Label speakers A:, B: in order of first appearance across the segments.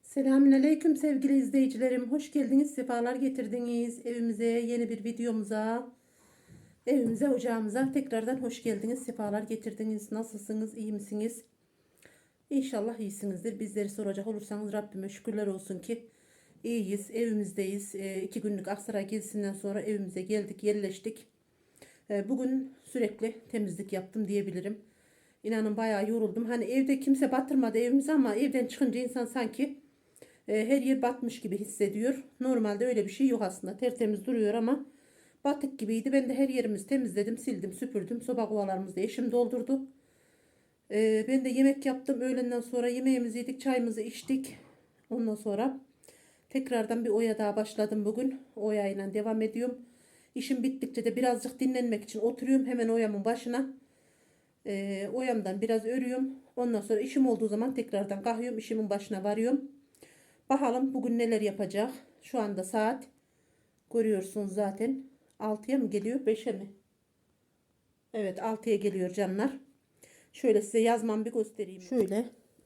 A: Selamünaleyküm sevgili izleyicilerim. Hoş geldiniz, sefalar getirdiniz evimize, yeni bir videomuza, evimize, ocağımıza tekrardan hoş geldiniz, sefalar getirdiniz. Nasılsınız, iyi misiniz? İnşallah iyisinizdir. Bizleri soracak olursanız Rabbime şükürler olsun ki iyiyiz, evimizdeyiz. 2 günlük Aksaray gezisinden sonra evimize geldik, yerleştik. Bugün sürekli temizlik yaptım diyebilirim. İnanın bayağı yoruldum. Hani evde kimse batırmadı evimizi ama evden çıkınca insan sanki her yer batmış gibi hissediyor. Normalde öyle bir şey yok aslında. Tertemiz duruyor ama batık gibiydi. Ben de her yerimizi temizledim, sildim, süpürdüm. Soba kovalarımızı da eşim doldurdu. Ben de yemek yaptım. Öğlenden sonra yemeğimizi yedik, çayımızı içtik. Ondan sonra tekrardan bir oya daha başladım bugün. Oyayla devam ediyorum. İşim bittikçe de birazcık dinlenmek için oturuyorum. Hemen oyamın başına. Oyamdan biraz örüyorum. Ondan sonra işim olduğu zaman tekrardan kalkıyorum. İşimin başına varıyorum. Bakalım bugün neler yapacak. Şu anda saat görüyorsunuz zaten. 6'ya mı geliyor 5'e mi? Evet, 6'ya geliyor canlar. Şöyle size yazmamı bir göstereyim. Şöyle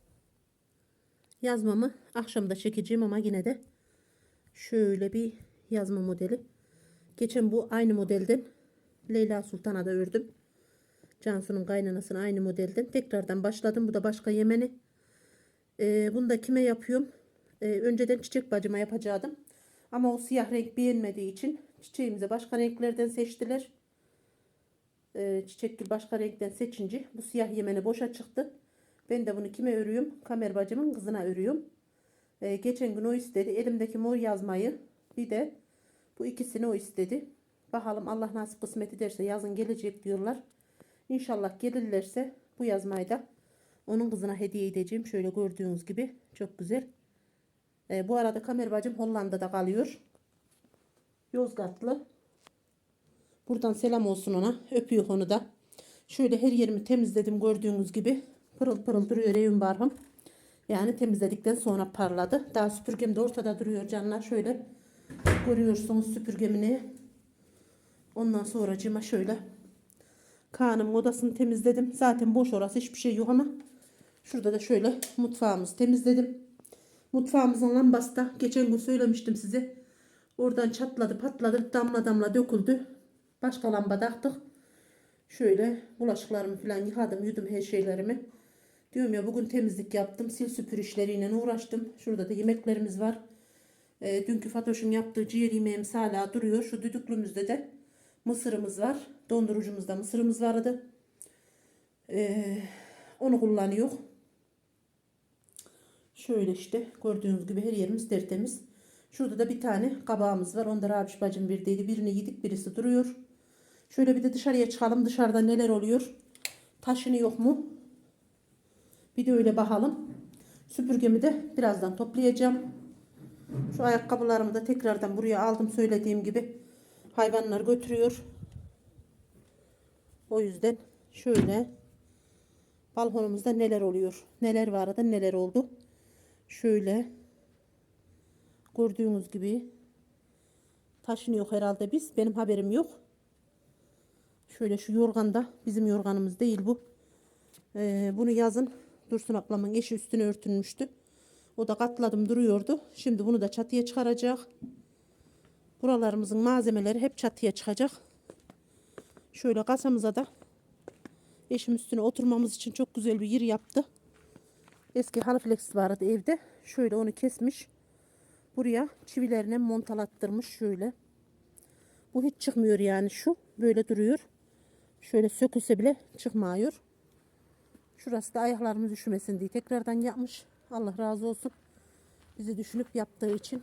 A: yazmamı akşamda çekeceğim ama yine de şöyle bir yazma modeli. Geçen bu aynı modelden Leyla Sultan'a da ördüm. Cansu'nun kaynanasına aynı modelden tekrardan başladım. Bu da başka Yemeni. Bunu da kime yapıyorum? Önceden çiçek bacıma yapacaktım. Ama o siyah renk beğenmediği için çiçeğimize başka renklerden seçtiler. Çiçek başka renkten seçince bu siyah Yemeni boşa çıktı. Ben de bunu kime örüyorum? Kamer bacımın kızına örüyorum. Geçen gün o istedi. Elimdeki mor yazmayı bir de bu ikisini o istedi. Bakalım Allah nasip kısmet ederse yazın gelecek diyorlar. İnşallah gelirlerse bu yazmayı da onun kızına hediye edeceğim. Şöyle gördüğünüz gibi çok güzel. Bu arada Kamer bacım Hollanda'da kalıyor. Yozgatlı. Buradan selam olsun ona. Öpüyor onu da. Şöyle her yerimi temizledim gördüğünüz gibi. Pırıl pırıl duruyor evim barhım. Yani temizledikten sonra parladı. Daha süpürgem de ortada duruyor canlar. Şöyle görüyorsunuz süpürgemini. Ondan sonracığıma şöyle Kaan'ın odasını temizledim. Zaten boş orası, hiçbir şey yok ama şurada da şöyle mutfağımızı temizledim. Mutfağımızın lambası da geçen gün söylemiştim size. Oradan çatladı patladı, damla damla döküldü. Başka lamba taktık. Şöyle bulaşıklarımı falan yıkadım, yudum her şeylerimi. Diyorum ya, bugün temizlik yaptım. Sil süpür işleriyle uğraştım. Şurada da yemeklerimiz var. Dünkü Fatoş'un yaptığı ciğer yemeğimiz hala duruyor. Şu düdüklümüzde de mısırımız var. Dondurucumuzda mısırımız vardı. Onu kullanıyor. Şöyle işte gördüğünüz gibi her yerimiz tertemiz. Şurada da bir tane kabağımız var. Onda Rabiş bacım verdiydi. Birini yedik, birisi duruyor. Şöyle bir de dışarıya çıkalım. Dışarıda neler oluyor? Taşını yok mu? Bir de öyle bakalım. Süpürgemi de birazdan toplayacağım. Şu ayakkabılarımı da tekrardan buraya aldım. Söylediğim gibi hayvanlar götürüyor. O yüzden şöyle balkonumuzda neler oluyor? Neler vardı, neler oldu? Şöyle gördüğünüz gibi taşınıyor herhalde biz. Benim haberim yok. Şöyle şu yorgan da bizim yorganımız değil bu. Bunu yazın Dursun ablamın eşi üstüne örtünmüştü. O da katladım duruyordu. Şimdi bunu da çatıya çıkaracak. Buralarımızın malzemeleri hep çatıya çıkacak. Şöyle kasamıza da eşim üstüne oturmamız için çok güzel bir yer yaptı. Eski haliflex vardı evde. Şöyle onu kesmiş. Buraya çivilerine montalattırmış şöyle. Bu hiç çıkmıyor yani şu. Böyle duruyor. Şöyle sökülse bile çıkmıyor. Şurası da ayaklarımız üşümesin diye tekrardan yapmış. Allah razı olsun. Bizi düşünüp yaptığı için.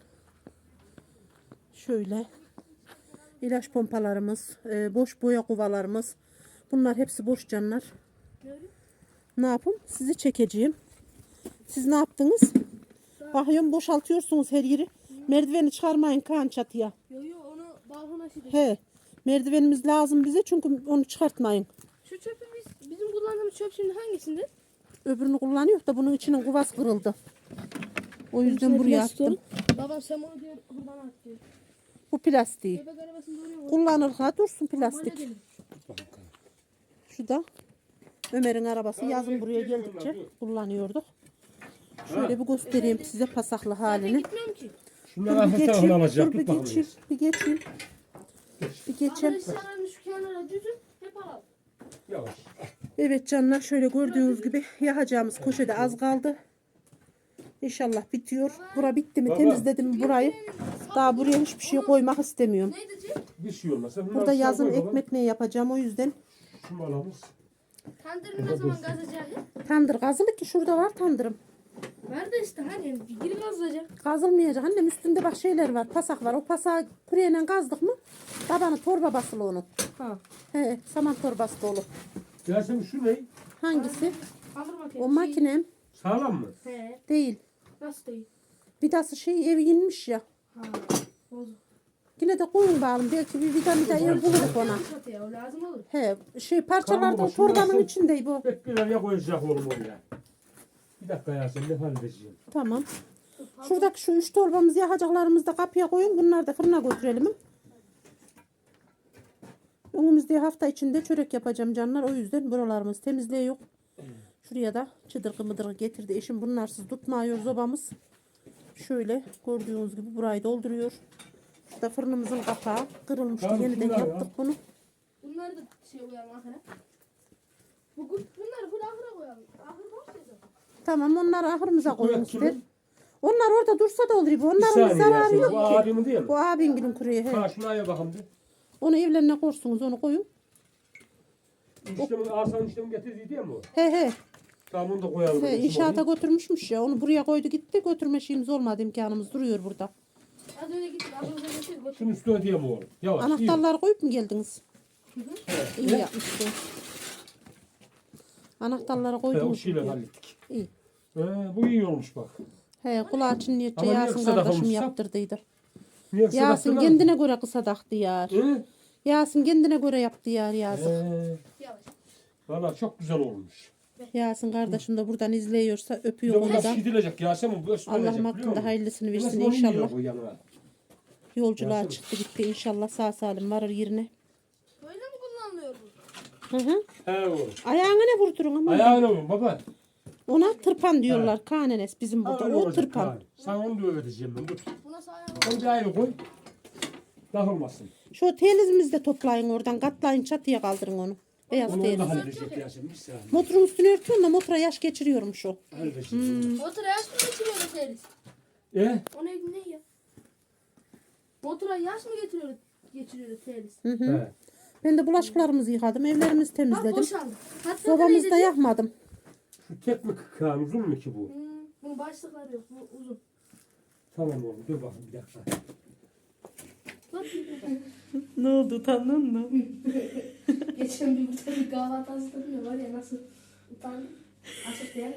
A: Şöyle ilaç pompalarımız, boş boya kovalarımız. Bunlar hepsi boş canlar. Ne yapayım? Sizi çekeceğim. Siz ne yaptınız? Bakıyorum boşaltıyorsunuz her yeri. Merdiveni çıkarmayın Kaan çatıya.
B: Yok onu balkona sileceğim.
A: He. Merdivenimiz lazım bize çünkü onu çıkartmayın.
B: Şu çöpü bizim kullandığımız çöp şimdi hangisinde?
A: Öbürünü kullanıyor da bunun içinin kuvası kırıldı. O yüzden
B: İçine
A: buraya
B: plastik
A: attım.
B: olur. Babam sen onu diyor buradan at diyor.
A: Bu plastiği.
B: Bebek arabasında oraya koy.
A: Kullanır ha dursun
B: Normal
A: plastik.
B: edelim.
A: Şu da Ömer'in arabası. Yazın buraya geldikçe kullanıyorduk. Şöyle bir göstereyim size pasaklı
B: Zaten
A: halini.
B: gitmiyorum ki.
C: Şunları
A: Dur bir
C: hafif tarafını
A: geçeyim,
C: alacak.
A: dur bir
C: Tut bakalım.
A: geçeyim, bir geçeyim. Bir geçeyim.
B: Arkadaşlar şu kenara düzün. Hep alalım.
C: Yavaş.
A: Evet canlar, şöyle gördüğünüz gibi yakacağımız köşede az kaldı. İnşallah bitiyor. Bura bitti mi,
C: Baba.
A: temizledim burayı. Daha buraya hiçbir şey koymak istemiyorum.
B: Ne diyecek?
C: Bir şey olmaz. Sen bunları
A: Burada
C: aşağı
A: yazın
C: koy baba.
A: ekmek ne yapacağım, o yüzden.
C: Şu malamız.
B: Tandırı ne zaman gazacak?
A: Tandır kazılı ki, şurada var tandırım.
B: Var da işte hani geri gazlayacak.
A: Kazılmayacak annem, üstünde bak şeyler var, pasak var. O pasağı kuruyeyle kazdık mı tabanı torba basılı onun.
B: Ha.
A: He, saman torbası dolu.
C: Yasemin şu ne?
A: Hangisi?
B: Alır makinesi.
A: O makinem
C: Sağlam mı?
B: He.
A: değil.
B: Nasıl değil?
A: Vidası şey, ev inmiş ya.
B: Ha. Bozuk.
A: Yine de koyun bağlı. Belki bir vida ev buluruz ona.
B: Çatıya o lazım olur.
A: He, şey parçalarda
C: Tamam,
A: o torbanın
C: şurası-
A: içinde bu.
C: Bekleler ya koyacak oğlum oraya. Bir dakika Yasemin ne halledeceğim.
A: Tamam. Şuradaki şu 3 torbamızı yakacaklarımızı da kapıya koyun. Bunları da fırına götürelim. Önümüzde hafta içinde çörek yapacağım canlar. O yüzden buralarımız temizliğe yok. Şuraya da çıdırgı mıdırgı getirdi. Eşim bunlarsız tutmuyor zobamız. Şöyle gördüğünüz gibi burayı dolduruyor. Şurada fırınımızın kapağı kırılmıştı.
C: Tamam,
A: Yeniden
C: şunlar ya.
A: yaptık bunu.
B: Bunları da şey koyalım ahıra. Bunları full ahıra koyalım. Ahır boş ya zaten.
A: Tamam, onları ahırımıza koyun
C: Kurak
A: ister.
C: kimin?
A: Onlar orada dursa da olur.
C: Bir
A: Onların bir
C: saniye
A: zararı
C: Yasemin.
A: yok
C: Bu
A: ki.
C: abimin değil mi?
A: Bu abinin kuruyor. He.
C: Ha şuna aya bakalım bir.
A: Onu evlerine korsunuz, onu koyun.
C: İşlemin arsanın işlemi getirdiydi ya mı o?
A: He he.
C: Tamam onu da koyalım.
A: He,
C: Şimdi
A: inşaata
C: oraya.
A: götürmüşmüş ya. Onu buraya koydu gitti. Götürme şeyimiz olmadı, imkanımız duruyor burada.
B: Az önce gittik. Ahırıza getirdik. Götür.
C: Şunun üstüne diyeyim oğlum. Yavaş. iyi.
A: Anahtarları koyup mu geldiniz? İyi yapmışsın. Anahtarları
C: He, o
A: koydunuz.
C: şeyle
A: buraya.
C: hallettik.
A: İyi.
C: Bu iyi olmuş bak.
A: He, kulağı çınlayınca
C: Ama niye
A: Yasin
C: kısa
A: kardeşim
C: takılmışsa?
A: yaptırdıydı.
C: Niye kısa
A: Yasin
C: taktın
A: kendine göre kısa taktı yar.
C: Hı?
A: Yasin kendine göre yaptı yar yazık.
B: Yavaş.
C: Valla çok güzel olmuş.
A: Yasin kardeşim de buradan izliyorsa
C: Bir de
A: öpüyor
C: bu
A: onu
C: nasıl
A: da.
C: gidilecek Yasemin? Bu nasıl
A: Allah'ım
C: olacak, biliyor
A: hakkında
C: musun?
A: hayırlısını
C: Bu
A: versin
C: nasıl onu yiyor
A: inşallah.
C: bu yanına?
A: Yolculuğa
C: Yasin.
A: çıktı gitti, inşallah sağ salim varır yerine.
B: Böyle mi kullanılıyor bu?
A: Hı hı.
C: He oğlum.
A: Ayağına ne vurdurun ama.
C: Ayağına vurun baba.
A: Ona tırpan diyorlar. Kanenes bizim
C: Ha,
A: burada.
C: öyle
A: O
C: olacak
A: tırpan.
C: yani. Sana onu da öğreteceğim ben. Dur.
B: Buna sağ
C: Onu bir ayrı koy. Dağılmasın.
A: Şu telizimizi de toplayın oradan. Katlayın, çatıya kaldırın onu. Beyaz
C: Onu
A: teliz.
C: da halledecek Yasemin. Bir saniye.
A: Motorun üstüne örtüyorsun da motora yaş geçiriyormuş o.
C: Halledeceğim.
B: Motora yaş mı getiriyor Teris?
C: E?
B: O ne ya? Motora yaş mı geçiriyor Teris?
A: Hı hı.
C: He.
A: Ben de bulaşıklarımızı yıkadım. Evlerimizi
B: Bak
A: temizledim.
B: boşaldı. Hatta
A: Sobamızı da yakmadım.
C: Şu tek mi kıkan uzun mu ki bu?
B: Bunun başlıkları yok. Bu uzun.
C: Tamam oğlum dur bakayım bir dakika.
B: Bak.
A: Ne oldu, utandın mı?
B: Geçen bir burada bir kahvaltı hazırladım ya var ya nasıl utandım. Açık değil.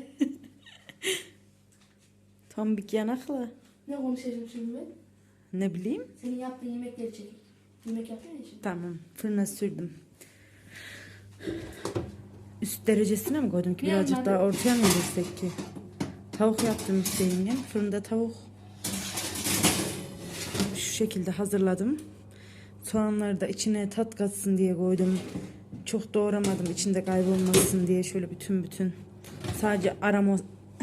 D: Tam bir yanakla.
B: Ne konuşacağım şimdi ben?
D: Ne bileyim.
B: Senin yaptığın yemekleri çekeyim. Yemek yapıyorsun ya şimdi.
D: Tamam. Fırına sürdüm. Üst derecesine mi koydum ki?
B: Bir
D: Birazcık
B: yandan
D: daha
B: da-
D: ortaya mı girsek ki? Tavuk yaptım işte yengem. Fırında tavuk. Şu şekilde hazırladım. Soğanları da içine tat katsın diye koydum. Çok doğramadım içinde kaybolmasın diye şöyle bütün. Sadece aroma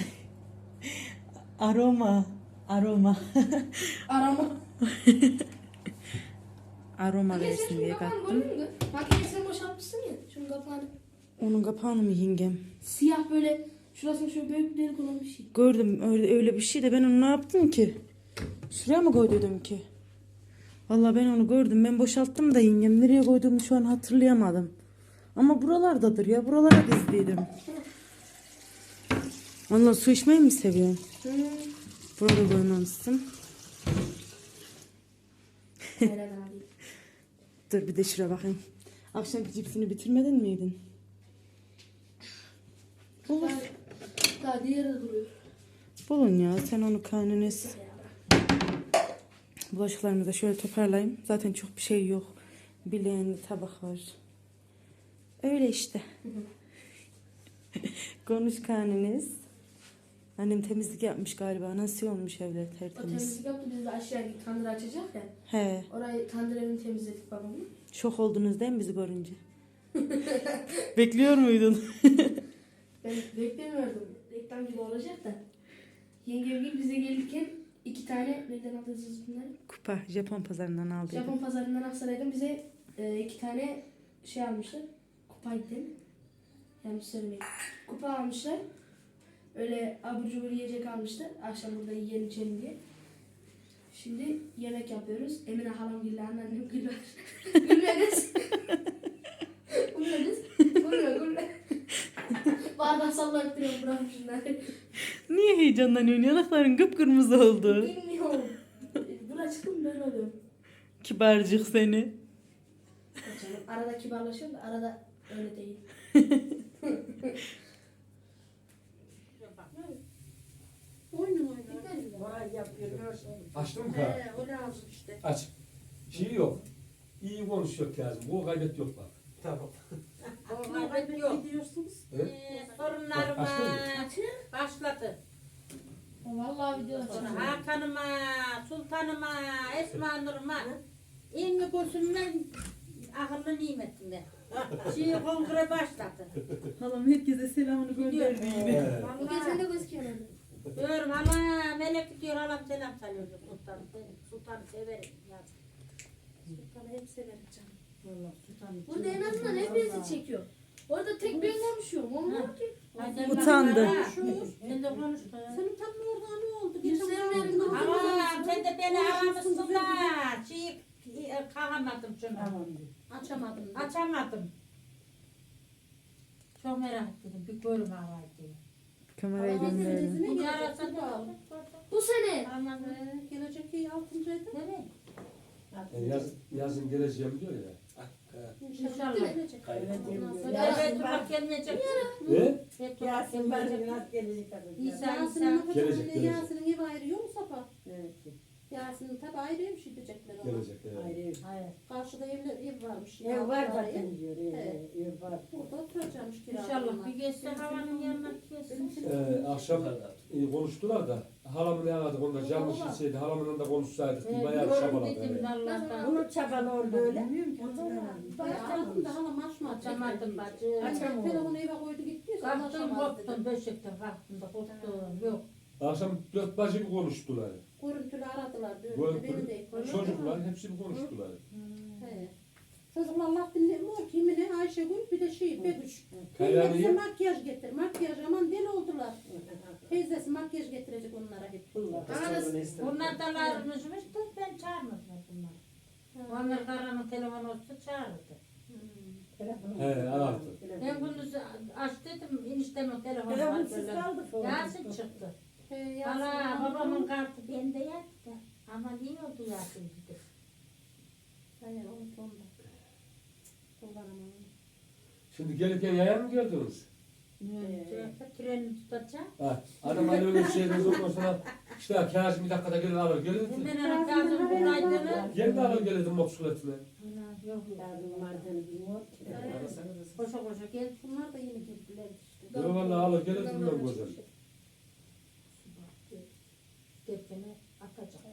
D: aroma
B: Arama.
D: aroma
B: Sen
D: versin
B: şunun
D: diye
B: kapağını
D: kattım.
B: gördün mü? Makineyi sen boşaltmışsın ya. Şunun kapağını.
D: Onun kapağını mı yengem?
B: Siyah böyle şurasını şöyle büyük bir delik olan bir şey.
D: Gördüm öyle bir şey de ben onu ne yaptım ki? Şuraya mı koydum ki? Vallahi ben onu gördüm. Ben boşalttım da yengem. Nereye koyduğumu şu an hatırlayamadım. Ama buralardadır ya. Buralara dizdiydim. Vallahi su içmeyi mi seviyorsun? Burada koymamışsın.
B: Helal abi.
D: Dur bir de şuraya bakayım. Akşamki cipsini bitirmedin miydin?
B: Daha diğeri de duruyor.
D: Bulun ya. Sen onu karnınız. Bulaşıklarımı da şöyle toparlayayım. Zaten çok bir şey yok. Bileğinde tabak var. Öyle işte. Konuş karnınız. Annem temizlik yapmış galiba. Nasıl olmuş evler
B: O
D: tertemiz.
B: temizlik yaptı biz de aşağıya gittik. Tandır açacak ya.
D: He.
B: Orayı tandır evini temizledik babamla.
D: Şok oldunuz değil mi bizi görünce? Bekliyor muydun?
B: Ben beklemiyordum. Reklam gibi olacak da. Yengem gibi bize gelirken 2 tane nereden aldınız bunları?
D: Kupa Japon pazarından aldım.
B: Japon pazarından Aksaray'dan bize 2 tane şey almışlar. Kupaydı değil mi? Yanlış söylemeyin. Kupa almışlar. Öyle abur cubur yiyecek almışlar. Akşam burada yiyelim içelim diye. Şimdi yemek yapıyoruz. Emine halam gülüyor, anneannem gülüyor. Gülme kız. Gülme kız. Gülme. Bardak sallayıp duruyorum buranın şunları.
D: Niye heyecanlanıyorsun? Yanakların kıpkırmızı oldu.
B: Bilmiyorum. Buna çıktım böyle oluyor.
D: Kibarcık seni.
B: Canım, arada kibarlaşıyorum da arada öyle değil.
A: Oyunun oyunu.
C: Açtın mı ka?
A: O lazım işte.
C: Aç. Şey yok. İyi konuşuyor Kazım. Bu kaybet yok bak. Tamam.
A: Gidiyorsunuz.
C: Evet.
E: Sorunlarıma
C: Açtın
E: başladı.
B: Vallahi video
E: Sonra
B: açıyorum.
E: Hakan'ıma, Sultan'ıma, Esma Nur'uma ilmi gözümden akıllı nimetimde. Şimdi kongre başladı.
D: Halam herkese selamını göndermiyor.
C: Evet.
B: Bu kez sen de gözüküyor.
E: Diyorum hala melek diyor halam selam söylüyor Sultan. Sultan'ı severim ya.
A: Sultan'ı hep severim canım.
E: Vallahi Sultan'ı
B: Burada en azından hepinizi çekiyor. Orada tek ben konuşuyorum. Olmuyor ki.
D: Utandı.
E: Sen de konuş.
A: Senin tam oradan ne oldu?
B: Yüzlerim
E: Ama sen de beni aramışsın da kalamadım şunu.
A: Açamadım.
E: Açamadım. Çok merak ettim. Bir görüm havaydı diye.
D: Kamerayı döndürelim.
E: Bu yarasa
B: Bu sene.
E: Aman
A: Gelecek iyi 6. ayda.
E: nereye?
C: Yazın geleceğim diyor ya.
E: İnşallah.
A: Gelecek.
E: Evet, bak gelmeyecek.
C: Ne?
E: Yasin var biraz gelecek. İsa,
A: Yasin'in
E: İsa.
C: Gelecek, gelecek.
A: Yasin'in evi ayrıyor mu Safa? Yasin'in tabi ayrıymış gidecekler ona.
C: Gelecek. Evet.
E: Hayır.
A: Karşıda ev varmış.
F: Ev var
A: Altı
F: zaten
A: ayı.
F: diyor.
A: Evet.
F: Ev var.
A: Burada oturacakmış kiralarına.
E: İnşallah bir geçse havanın yanına geçsin.
C: Akşam konuştular da halamı ne aradık onda canlı şişeydi halamın da konuşsaydık bir bayağı şabaladı.
E: Dedim
C: Evet.
E: Allah'tan.
F: Bunun çabalı oldu öyle.
A: Bayağı aradım da hala maçma
E: Açamadım bacı.
A: Telefonu eve koydu gitti.
E: Kalktım koptum döşekten kalktım da koptum. Yok.
C: Akşam 4 bacı bir konuştular.
A: Görüntülü aradılar.
C: Bu
A: Dönünce beni de
C: çocuklar hepsi bir konuştular.
A: He. Çocuklar laf dinlemiyor ki Emine, Ayşegül bir de Begüş.
C: Kayani-
A: Teyzesi makyaj getir. Makyaj aman deli oldular. Teyzesi makyaj getirecek onlara hep.
E: Bunlar da larmışmış da ben çağırmadım bunları. Onlar karanın telefonu olsa çağırdı.
C: He aradı.
E: Ben gündüz aç dedim eniştemin telefonu var
F: Telefonsiz
E: böyle.
F: kaldı sonra.
E: Yasin çıktı.
A: He,
E: Valla babamın kartı bende yattı. Ama niye oldu Yasin dedi.
A: Hayır onu onda. Kullanamam.
C: Şimdi gelirken yaya mı geldiniz?
E: Treni tutacağım.
C: Ha, adam hani öyle bir şeyden ondan sonra işte Kazım bir dakikada gelir alır gelir.
E: Ben ana kazım bunaydığını.
C: Gel de alır gelirdim motosikletine.
E: Yok
F: Yardım vardı bilmiyor ki.
E: koşa koşa gel.
A: Bunlar da yeni girdiler işte.
C: Yok valla alır gelirdim ben güzel.
E: Derkene atacak.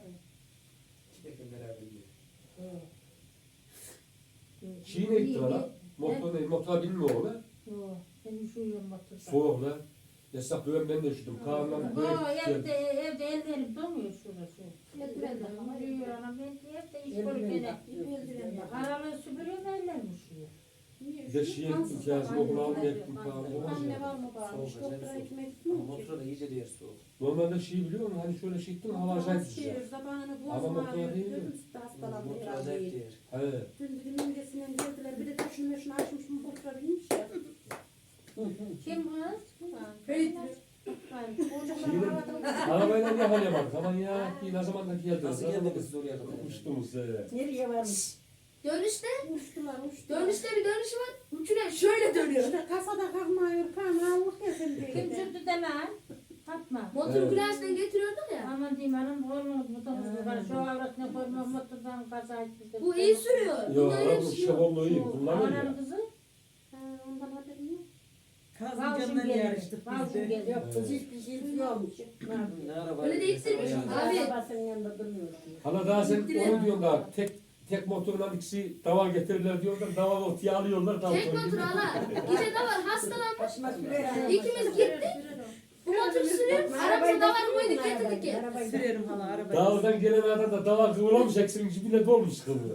C: Şeyi ne gitti valla? Motora binmiyor o lan.
E: Yok ben üşüyorum motorda.
C: Soğuk lan. Yasak döven ben de üşüdüm. Kaan'dan böyle
E: Evde ellerim donuyor şurası.
A: Eldiven de ama.
E: Üşüyor anam ben evde iş koyup aralığı süpürüyorum ellerim üşüyor.
C: bir de şey ettim Kazım okula almaya gittim Kaan'ı.
A: Anne var mı bağırmış? Doktora gitmeye gitmiyor ki.
G: Motorda iyice diğer soğuk.
C: Normalde şey biliyor musun? Hani şöyle şey ettim hava acayip
A: Şehir
C: sıcak.
A: zamanını
C: Ama
A: boğazım
C: motor
A: ağrıyor.
C: değil mi?
A: Dedim sütte hastalandı
G: Motor
A: herhalde.
G: acayip diğer.
C: He.
A: Dün dedim imgesinden geldiler. Bir de taşını meşini açmış mı motora binmiş ya.
E: Kim kız?
A: Kayıt.
C: Şeyden, arabayla yakalayamadık. Aman ya ne zaman da geldiniz.
G: Nasıl geldiniz oraya kadar?
C: Uçtunuz.
F: Nereye varmış?
B: Dönüşte.
A: Uçtular uçtular.
B: Dönüşte bir dönüş var. Üçüne şöyle dönüyor.
A: İşte kasada kalkmıyor. Kanallık ya sen diye.
E: Kim sürdü de lan? Fatma.
B: Motor
C: Evet.
B: gülersinden getiriyorduk ya.
E: Aman diyeyim hanım oğlum motorumuz var. Şu avratına koyma motordan kaza etmiş.
B: Bu iyi sürüyor.
C: Yok
B: Bunda öyle
C: araba
B: bir şey
C: şey
B: yok.
C: oldu iyi. Kullanıyor
E: Anam
C: ya.
E: kızı.
A: Ha, ondan haberim yok.
E: Balcım geldi. Balcım geldi.
F: Yok kız hiçbir şey yokmuş.
G: Ne araba?
B: Öyle de ittirmiş. Abi.
F: Arabasının yanında duruyor.
C: Hala daha sen onu diyorsun daha tek motorla ikisi dava getirirler diyorlar. Dava ortaya alıyorlar.
B: Tek motor hala. Gece de var hastalanmış.
F: Başıma sürer.
B: İkimiz gittik. Bu motoru sürüyorum. Aramıza davar koyduk getirdik ya.
D: Sürerim hala arabayı.
C: Dağdan gelen adam da davar kıvılamış eksin cibine dolmuş kıvı.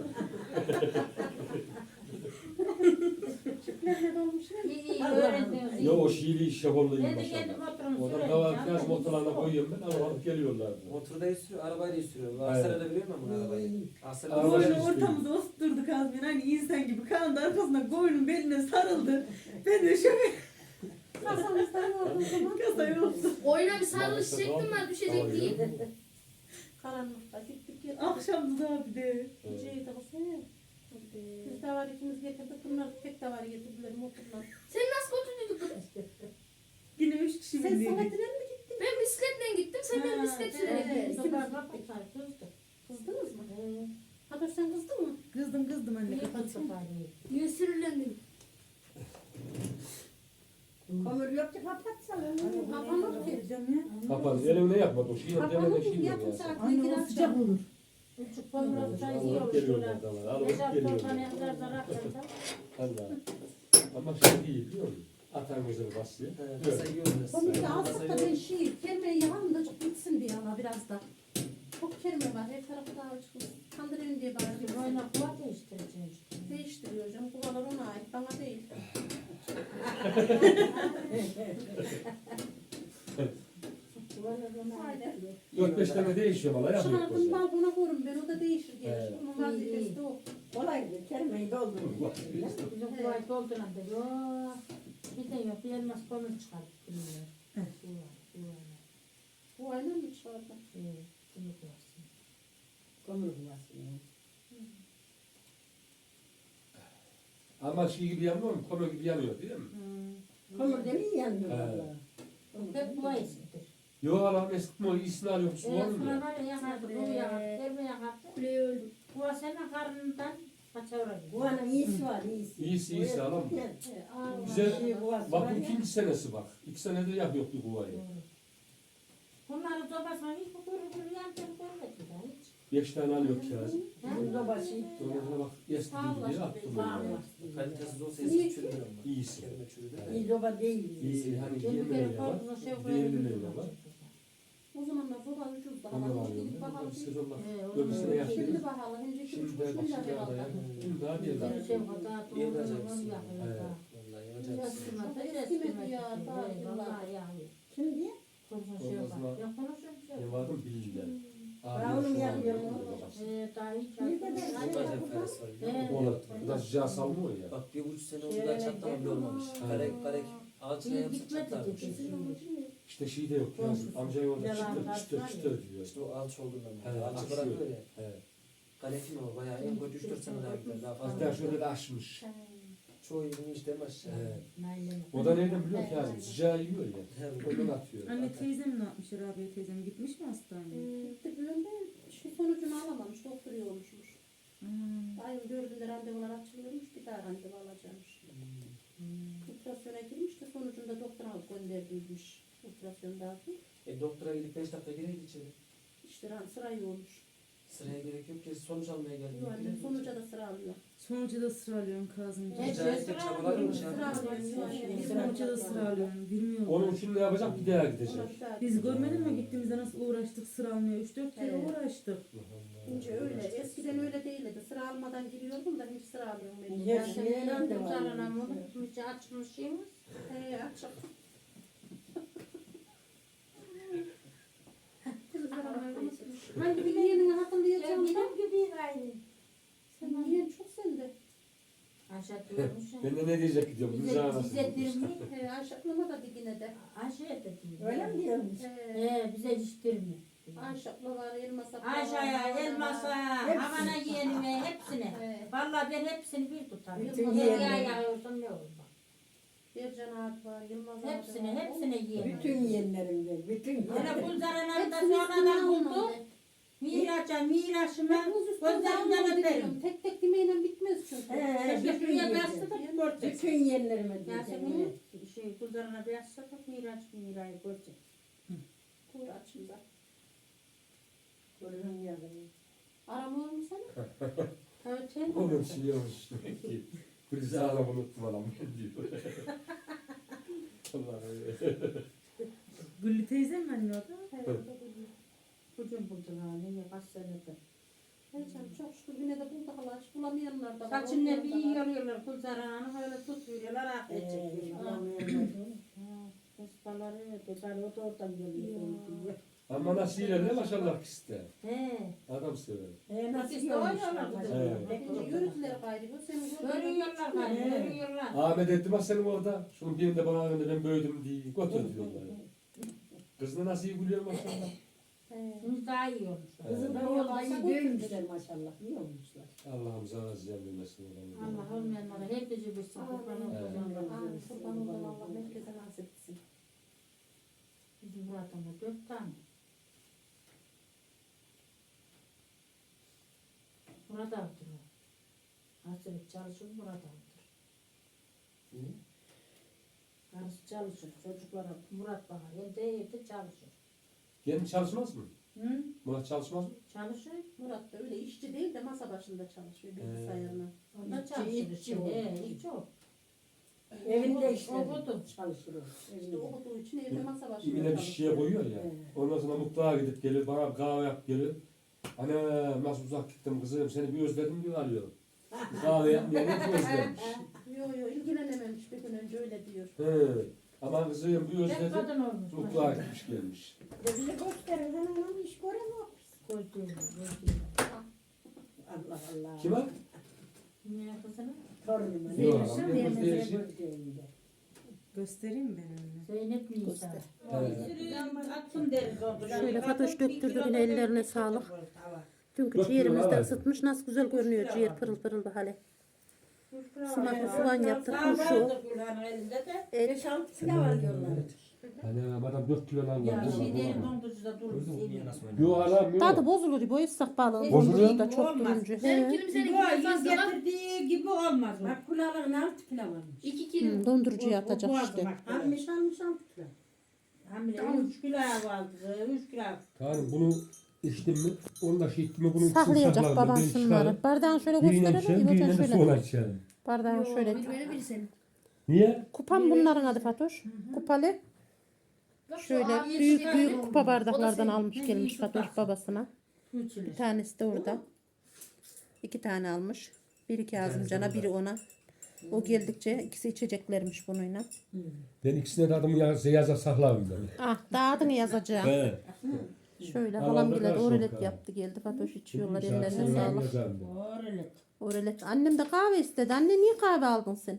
E: İyi iyi öğrendiniz.
C: Yo o şiiri şakollu iyi
E: Ben de kendi
C: maşallah.
E: motorumu
C: Oradan
E: süreyim.
C: davar biraz motorlarına koyuyorum ben alıp geliyorlardı.
G: Motorda sürüyor, arabayla sürüyor.
C: Aynen.
G: Aksaray'da biliyor musun bunu arabayı? Aksaray'da
C: Araba-
D: Böyle
C: Arabayla
D: ortamıza oturturduk Azmin. Hani insan gibi kandı arkasına koyunun beline sarıldı. Ben de şöyle
A: Kasamızdan oldu o zaman.
D: kasayı oldu.
B: Oyuna bir sarılış çektim ben düşecek diye.
A: Karanlıkta gittik geldik.
D: Akşamdı da bir de.
A: Geceyi de basaya. Biz de var ikimiz getirdik. Bunlar tek de var getirdiler motorlar.
B: Sen nasıl götürdün kız?
D: Yine 3 kişi
A: Sen
D: bindiydik.
A: Samet'ine mi gittin?
B: Ben bisikletle gittim, sen benim bisiklet sürerek gittin.
A: Kızdınız mı? Haber sen kızdın mı?
D: Kızdım anne kapat.
B: Niye sürülendim?
F: Kömür yok ki kapatsana.
A: Kapanır ki.
D: Vereceğim ya.
C: Kapan elimine yapmadı o şiir
A: Kapanır
C: demeden
A: mı?
C: şiir
A: Yarım
C: ya.
A: saat
D: Anne o
A: girer.
D: sıcak olur.
E: Küçük boyunca çay
C: Alıp
E: yiyormuş.
C: geliyorlar davar. Alıp geliyorlar. Allah. Ama şey değil biliyor musun? Atan gözünü basıyor.
G: Kasa yiyoruz.
A: Komik azıcık da ben şiir. Kelimeyi yalan da çok bitsin diye ama biraz da. Çok kelime var. Her tarafı daha açık. Kandırayım diye bağırıyor.
E: Boyuna kuva değiştireceğim işte.
A: Değiştiriyor hocam. Kuvalar ona ait. Bana değil. Haydi.
C: 4-5 tane değişiyor valla yapıyor.
A: Şunlardan balkona koyun. Ben o da değişir gelir.
C: Evet.
A: Onun vazifesi de o.
F: Kolaydı. Kelimeyi doldurun.
E: Bizim kuvayı dolduran da yok. Bir de yok. Bir elmas kolunu çıkartıp duruyor.
A: Bu aynen mi çıkardı?
E: Bunu koyarsın.
F: Kömür bulasın.
C: Ama şey gibi yanmıyor mu? Konu gibi yanıyor değil mi?
F: Kömür demeyi yanıyor
C: He.
F: valla.
E: Hep bu ayısıdır.
C: Yok Allah'ım eskitme o iyisini arıyor. Su var mı
E: Sonra
C: ya?
E: var ya yakardı, bunu yakardı, elme yakardı.
B: Kuleye öldüm.
E: Bu senin karnından paçavra gidiyor.
F: Bu anın iyisi var iyisi.
C: İyisi alalım mı?
A: Bize
C: Bize bak bu ikinci senesi bak. 2 senedir yapıyor bu kuvayı.
E: Bunları topasan hiç bu kuru yancım görmedi daha hiç.
C: 5 tane alıyor kirazı.
F: Bizim de başı.
C: Sonra bak eskidi diye attım onu.
G: Kalitesiz olsa eski çürüdür ama.
C: İyisi.
G: Kelime çürüdür.
F: İyi zoba değil.
C: İyi hani
E: Kendi
C: yemeğiyle
E: kere
C: var.
E: korkunu şey
C: Değerliyle var.
A: o zamanlar soba ucuzdu.
C: Onu
A: Ama
C: alıyorum.
A: gidip bakalım.
C: Bir sezon bak.
E: He,
C: Öbürsüne
E: onu-
C: yapıyoruz.
A: Şimdi bakalım. Önce
C: Şimdi
A: 2,5
C: de bak
A: milyar
C: şimdi daha
A: herhalde.
C: ya. Şimdi daha bir
E: Bir
C: daha.
E: şey kadar
G: İyi
E: doğru
G: olacak
E: onu
G: mısın?
E: yapıyor
C: Evet.
E: daha.
G: Vallahi yapacaksın.
E: Eskimedi,
A: Eskimedi
E: eskimedi.
A: ya, daha
E: He,
A: yıllar.
E: vallahi yani.
F: Kim diye?
E: Konuşun şey
C: Olmaz
E: var.
C: mı?
E: Ya konuşun şey
C: Ne
E: var.
C: vardı bilgiler.
F: Ben onu yapıyorum.
E: Daha hiç
F: Bir de ben-
G: Bacak parası var.
E: He.
C: Ona da sıcağı salmıyor ya.
G: Bak 1,5 sene oldu da çatlama bile olmamış. Karek ağaçına
E: İyi
G: yapsa
E: gitmedi
G: çatlarmış.
E: dedi şimdi.
C: İşte şey de yok ya. Amcayı orada
E: Yalan
C: çıtır
E: var
C: çıtır
E: ya.
C: diyor.
G: İşte o alç olduğundan.
C: He,
G: Alçı
C: aksıyor.
G: bırakıyor ya.
C: Evet.
G: Kalefin o bayağı en kötü 3-4 sene daha gider. Daha fazla.
C: Hatta şöyle de aşmış.
G: Çoğu yerini hiç demez.
C: Evet.
E: Nail'e.
C: O da neyden biliyor ki Azim? Sıcağı yiyor ya. Ondan atıyor.
D: Anne teyzem ne yapmış Rabia teyzem gitmiş mi hastaneye?
A: Gitti böyle şey sonucunu alamamış. Doktor olmuşmuş. Ayın 4'ünde randevular açılıyormuş. Bir daha randevu alacakmış. Ultrasyona girmiş de sonucunda doktor alıp gönderdiymiş. Ultrasyonda
G: Doktora gidip 5 dakika gireydi içeri.
A: işte sıra yoğunmuş.
G: Sıraya gerek yok ki sonuç almaya geldi.
A: Yok annem sonuca da sıra alıyor.
D: Sonucu da sıra alıyorsun Kazımcığım.
E: Evet.
G: Cahit de çabalarmış ya.
A: Sıra alıyor.
D: Sonucu da sıra alıyorsun. Bilmiyorum.
C: Onun için ne yapacak? Bir daha gidecek.
A: Ona bir daha-
D: Biz görmedin mi gittiğimizde nasıl uğraştık sıra almaya? 3-4 kere
A: Evet.
D: uğraştık.
A: İnce öyle. Eskiden öyle değildi. Sıra almadan giriyordum da hiç sıra alıyorum. Ben.
F: Her şeye randevu
E: Sarana mı?
F: alıyor.
E: Hiç açmışsınız.
A: Akşam. Hangi bir yeğenini hatırlayacağım da.
E: gibi aynı.
A: Sen yeğen çok sende.
E: Aşağı diyormuş.
C: Ben de ne diyecek gidiyorum.
E: Bize
C: Rıza
E: bize dirmi.
A: Ayşaklama da dikine de.
E: Aşağı dedim.
F: Öyle mi diyormuş?
E: Bize hiç dirmi.
A: Ayşakla var, elmasa var.
E: Aşağıya, elmasa, havana yeğenime, hepsine. Vallahi ben hepsini bir tutarım.
F: Bütün
E: Nereye
F: yeğenleri.
E: yağıyorsun ne olur bak.
A: Bircan Ağat var, Yılmaz Ağat var.
E: Hepsine yiyelim.
F: Bütün yeğenlerimden. Bütün
E: Hele
F: yeğenlerim.
E: Gülzaran'ı da
A: Hepsini
E: sonradan
A: üstüne
E: buldu.
A: almam
E: Miraşıma
A: Ben buz üstüne
E: gözlerinden
A: almam
E: öperim.
A: diyorum. Tek tek yemeğiyle bitmez çünkü.
F: Bütün
E: Şuraya bastı
F: yeğenlerim.
E: da görecek.
F: Bütün yeğenlerime diyeceğim.
E: Yasemin'in Gülzaran'a bastı da Mira'yı görecek.
A: Buyur açımda.
F: Görürüm yazını.
A: Aramıyor mu seni?
E: Evet sen
C: Onun şey olmuş demek ki. Rıza unuttum adam diyor. Allah'ım.
E: Güllü teyzem mi anne orada?
C: Evet.
E: Kucum buldun ha. Ne kaç senedir.
A: Evet canım, çok şükür yine de bulduk Allah. Hiç bulamayanlar da var.
E: Saçını bir
A: olmayanlar da var.
E: yoruyorlar. Kuzarağını öyle tutuyorlar. Akıl çekiyorlar. Kıspaları, tepali o da oradan geliyor. diyor.
C: Ama nasıl ilerle maşallah ikisi de.
E: He.
C: Adam sever.
F: Nasıl
E: İşte oynuyorlar bu da.
C: Evet.
A: Bence yürüdüler gayrı. Bu senin
E: Görüyorlar galiba. Görüyorlar.
C: Ahmet etti bak senin orada. Şunun birinde bana önünde ben böyledim diye. Götür diyorlar. Kız da nasıl iyi gülüyor maşallah.
E: Şimdi daha iyi olmuşlar.
F: Kızım da oğlan iyi büyümüşler maşallah. İyi olmuşlar.
C: Allah'ım sana ziyan vermesin.
E: Allah olmayanlara herkese bilsin. Kurban olsun.
A: Amin. Kurban oldum Allah. Herkese nasip etsin.
E: Bizim Murat'ın da 4 tane. Murat aldır o. Hasret çalışır Murat aldır. Karısı çalışır. Çocuklara Murat bakar. Evde çalışır.
C: Kendi çalışmaz mı?
E: Hı?
C: Murat çalışmaz mı?
E: Çalışır.
A: Murat da öyle işçi değil de masa başında çalışıyor bilgisayarına.
E: O da çalışır işte. İşçi o.
F: Evinde işte
E: Okudu.
F: çalışır o.
A: İşte
F: Evinde.
A: okuduğu için evde masa başında
C: İbine bir
A: çalışıyor.
C: şişeye koyuyor ya. Ondan sonra mutfağa gidip gelir, bana bir kahve yap gelir. Anne nasıl uzak gittim kızım, seni bir özledim diyor arıyor. Kahve yapmaya ne özlemiş.
A: Yo ilgilenememiş bir gün önce öyle diyor.
C: He. Aman kızım bir
E: Tek
C: özledim.
E: kadın olmuş.
C: Mutfağa gitmiş gelmiş.
F: Bize gösterin hanımın iş göremiyor.
E: Koyduğum.
F: Allah Allah.
C: Kime?
E: Ne kızına?
F: Torunuma.
C: Yok,
F: Verirsen
C: ama
F: vermezse
C: değişik.
F: gördüğünde.
D: Göstereyim mi ben onu?
E: Zeynep Nisa.
C: Evet.
E: Atsın deriz oldu.
A: Şöyle Fatoş döktürdü yine ellerine sağlık. Dünkü
C: Dört
A: ciğerimiz
C: kilo
A: de
C: var.
A: ısıtmış. Nasıl güzel görünüyor ciğer pırıl pırıl da hale. Sumaklı soğan yaptık. Turşu. Et.
F: 5-6 kilo var diyorlar.
C: Hani adam 4 kilo lan
E: Ya
C: var.
E: şey değil dondurucuda durur.
C: Yok anam yok.
A: Tadı bozulur. Bu ıssak balığın
C: Bozuluyor.
A: dondurucu da çok durunca. He.
E: Yüz getirdiği gibi olmaz o.
F: Bak kulağların 6 kilo varmış.
B: 2 kilo.
A: Dondurucuya atacak
E: O
A: işte.
F: Almış 6 kilo.
E: Hamile 3 kilo aldı. 3 kilo.
C: Tamam bunu içtim mi? Onu da şey ettim mi? Bunu ikisini
A: Saklayacak
C: saklarım.
A: baban
C: Ben
A: şunları.
C: çıkarım.
A: Bardağını şöyle
C: Birine
A: gösterelim.
C: içerim,
A: İbocan
C: birine de
A: şöyle.
C: sonra içerim.
A: Bardağını şöyle.
B: Biri benim biri senin.
C: Niye?
A: Kupam bunların adı Fatoş. Kupalı. Şöyle büyük büyük kupa bardaklardan almış gelmiş Fatoş babasına. Bir tanesi de orada. 2 tane almış. Biri Kazımcan'a, biri ona. O geldikçe ikisi içeceklermiş bununla.
C: Ben ikisine de adımı yaza saklarım ben.
A: Ah, daha adını yazacağım.
C: He.
A: Şöyle
C: Allah'ım
A: halam
C: da
A: bile
C: karşı
A: orelet
C: yok
A: yaptı geldi. Fatoş içiyorlar
C: Güzel,
A: ellerine
C: güzel
A: sağlık.
C: yazarım ben.
E: Öyle.
A: Orelet. Annem de kahve istedi. Anne niye kahve aldın sen?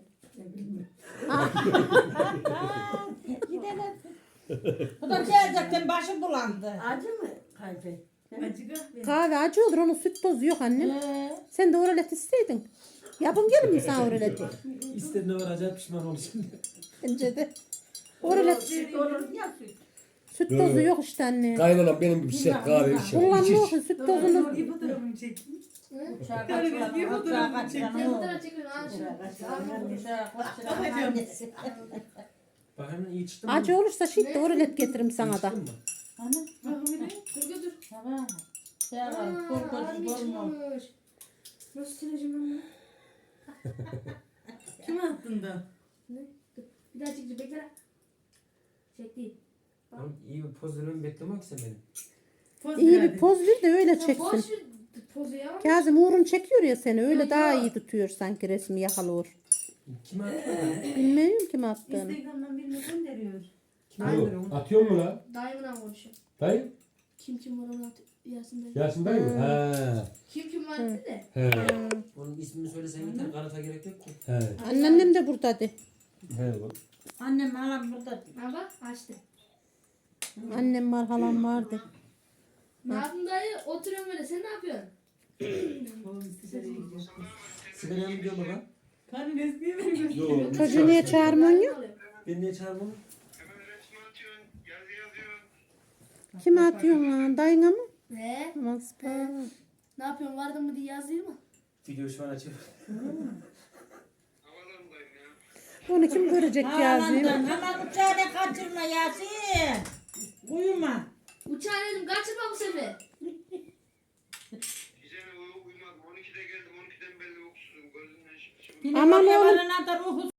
E: Bu da gelecekten başı bulandı.
F: Acı mı kahve?
A: Kahve acı olur. Onun süt tozu yok annem. Sen de orelet isteydin. Yapın gelin mi sana oreleti?
G: İstediğine varacak pişman olsun.
A: Bence de. Orelet
F: Olur ya süt.
A: süt tozu yok işte anne.
C: Kaynanam benim gibi sert kahve içer.
A: Kullanmıyorsun süt tozunu.
E: Uçağa kaçıran, uçağa kaçıran
B: Ne
E: o.
B: fotoğraf çekiyorsun? Al şunu.
E: Uçağa kaçıran annesi.
G: Bak hemen iyi çıktı mı?
A: Acı olursa şimdi orelet getiririm sana da.
G: Çıktın mı?
B: Dur götür.
E: Tamam. Şey var, korkunç görmüyor.
B: çıkmış. Nasıl sileceğim ben bunu?
E: Kim attın da?
B: Ne? Dur. Bir daha çekeceğim. Bekle. Çek değil.
G: Oğlum iyi bir poz vermemi beklemek sen benim.
A: İyi bir poz ver de öyle
B: Ya
A: çeksin.
B: boş ver pozu ya.
A: Kazım Uğur'un çekiyor ya seni. Öyle daha iyi tutuyor sanki resmi yakalıyor.
G: Kime atıyor?
A: Bilmiyorum kim attığını.
E: Instagram'dan birini gönderiyor.
G: Kime atıyor?
C: Yok, atıyor mu lan?
B: Dayımla konuşuyor.
C: Dayı?
B: Kim var onu at. Yasin dayı.
C: Yasin dayı mı? He.
B: Kim var dedi de.
C: He.
G: Onun ismini söylesen yeter. Kanıta gerek yok ki.
C: He.
A: Anneannem de buradaydı.
C: He.
E: Annem halam burada.
B: Ha bak açtı.
A: Annem var, halam vardı.
B: Ne yaptın dayı? Oturuyorum böyle. Sen ne yapıyorsun?
G: Sigaraya mı gidiyor baba?
C: Yok.
A: Çocuğu niye çağırmıyorsun ya?
G: Ben niye çağırmam?
A: Kime atıyorsun lan? Dayına mı?
B: Ne?
A: Aman sıpa.
B: Ne yapıyorsun? Vardın mı diye yazayım mı?
G: Video şu an açıyor.
A: Onu kim görecek yazayım?
E: Hemen uçağına kaçırma Yasin. Uyuma.
B: Uçağı dedim kaçırma bu sefer.
H: Gece uyumadım. 12'de geldim. 12'den beri uykusuzum. Gözümden şimdi.
A: Aman oğlum.
E: Aman oğlum.